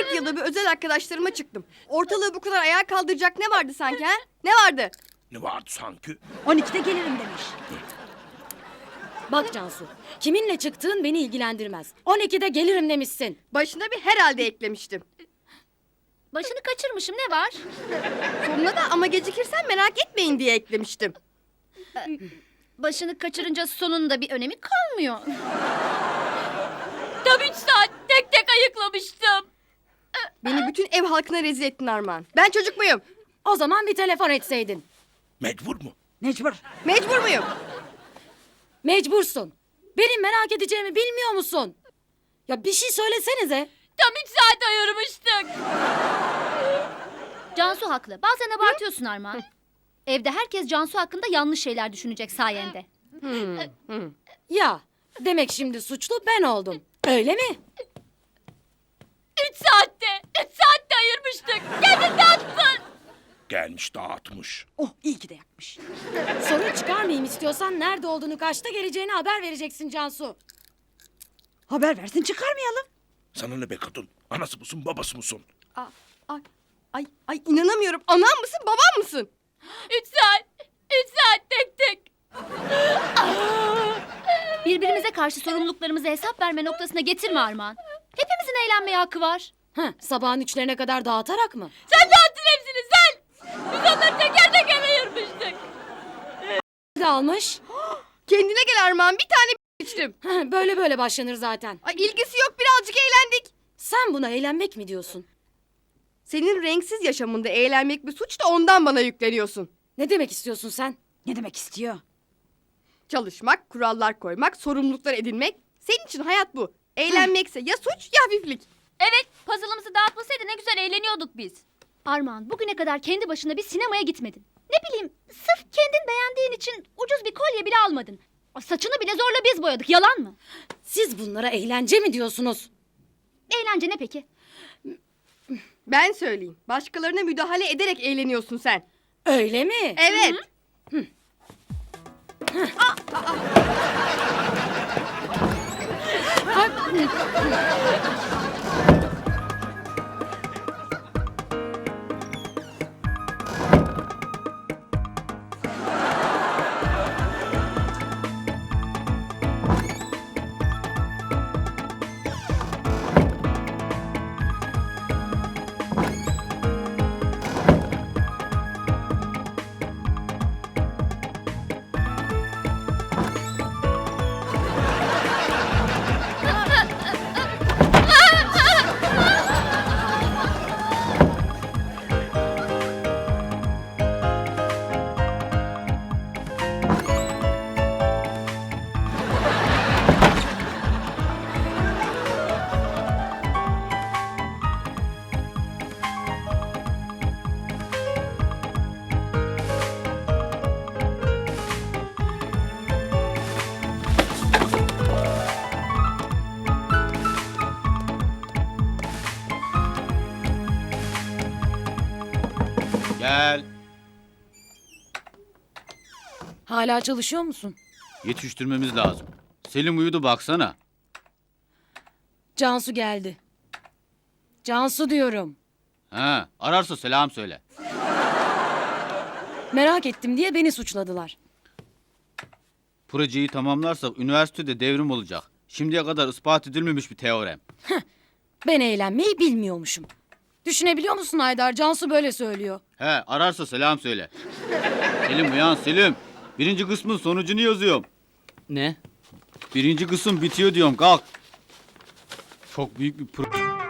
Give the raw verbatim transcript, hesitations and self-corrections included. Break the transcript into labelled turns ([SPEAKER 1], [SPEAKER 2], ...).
[SPEAKER 1] kırk yılda bir özel arkadaşlarıma çıktım. Ortalığı bu kadar ayağa kaldıracak ne vardı sanki ha? Ne vardı?
[SPEAKER 2] Ne vardı sanki?
[SPEAKER 3] on ikide gelirim demiş.
[SPEAKER 4] Bak Cansu, kiminle çıktığın beni ilgilendirmez. on ikide gelirim demişsin.
[SPEAKER 1] Başına bir herhalde eklemiştim.
[SPEAKER 5] Başını kaçırmışım, ne var?
[SPEAKER 1] Sonuna da ama gecikirsen merak etmeyin diye eklemiştim.
[SPEAKER 5] Başını kaçırınca sonunda bir önemi kalmıyor. Tam üç saat tek tek ayıklamıştım.
[SPEAKER 1] Beni bütün ev halkına rezil ettin Armağan. Ben çocuk muyum?
[SPEAKER 4] O zaman bir telefon etseydin.
[SPEAKER 2] Mecbur mu?
[SPEAKER 3] Mecbur.
[SPEAKER 1] Mecbur muyum?
[SPEAKER 4] Mecbursun. Benim merak edeceğimi bilmiyor musun? Ya bir şey söylesenize.
[SPEAKER 5] Tam üç saat ayırmıştık. Cansu haklı. Bazen abartıyorsun Armağan. Evde herkes Cansu hakkında yanlış şeyler düşünecek sayende.
[SPEAKER 1] Hmm, hmm.
[SPEAKER 4] Ya demek şimdi suçlu ben oldum. Öyle mi?
[SPEAKER 5] Üç saatte, üç saatte ayırmıştık. Kendin dağıttın.
[SPEAKER 2] Gelmiş dağıtmış.
[SPEAKER 3] Oh iyi ki de yapmış.
[SPEAKER 4] Sorun çıkarmayayım istiyorsan nerede olduğunu, kaçta geleceğini haber vereceksin Cansu.
[SPEAKER 3] Haber versin çıkarmayalım.
[SPEAKER 2] Sana ne be kadın? Anası mısın babası mısın?
[SPEAKER 1] Aa, Ay, ay, ay inanamıyorum. Anam mısın babam mısın?
[SPEAKER 5] Üç saat, üç saat tek tek. Birbirimize karşı sorumluluklarımızı hesap verme noktasına getirme Armağan. Hepimizin eğlenmeye hakkı var.
[SPEAKER 4] Heh, sabahın üçlerine kadar dağıtarak mı?
[SPEAKER 5] Sen dağıttın hepsini sen. Biz onları teker teker ayırmıştık.
[SPEAKER 4] Ne almış?
[SPEAKER 1] Kendine gel Armağan, bir tane içtim.
[SPEAKER 4] Heh, böyle böyle başlanır zaten.
[SPEAKER 1] Ay ilgisi yok, birazcık eğlendik.
[SPEAKER 4] Sen buna eğlenmek mi diyorsun?
[SPEAKER 1] Senin renksiz yaşamında eğlenmek bir suç da ondan bana yükleniyorsun.
[SPEAKER 4] Ne demek istiyorsun sen?
[SPEAKER 3] Ne demek istiyor?
[SPEAKER 1] Çalışmak, kurallar koymak, sorumluluklar edinmek. Senin için hayat bu. Eğlenmekse ya suç ya hafiflik.
[SPEAKER 5] Evet, puzzle'ımızı dağıtmasaydı ne güzel eğleniyorduk biz. Armağan, bugüne kadar kendi başına bir sinemaya gitmedin. Ne bileyim, sırf kendin beğendiğin için ucuz bir kolye bile almadın. Saçını bile zorla biz boyadık, yalan mı?
[SPEAKER 4] Siz bunlara eğlence mi diyorsunuz?
[SPEAKER 5] Eğlence ne peki?
[SPEAKER 1] Ben söyleyeyim. Başkalarına müdahale ederek eğleniyorsun sen.
[SPEAKER 4] Öyle mi?
[SPEAKER 1] Evet.
[SPEAKER 6] Gel.
[SPEAKER 4] Hala çalışıyor musun?
[SPEAKER 6] Yetiştirmemiz lazım. Selim uyudu baksana.
[SPEAKER 4] Cansu geldi. Cansu diyorum.
[SPEAKER 6] Ha, ararsa selam söyle.
[SPEAKER 4] Merak ettim diye beni suçladılar.
[SPEAKER 6] Projeyi tamamlarsak üniversitede devrim olacak. Şimdiye kadar ispat edilmemiş bir teorem.
[SPEAKER 4] Ben eğlenmeyi bilmiyormuşum. Düşünebiliyor musun Haydar? Cansu böyle söylüyor.
[SPEAKER 6] He, ararsa selam söyle. Selim uyan Selim. Birinci kısmın sonucunu yazıyorum.
[SPEAKER 7] Ne?
[SPEAKER 6] Birinci kısım bitiyor diyorum, kalk. Çok büyük bir pro...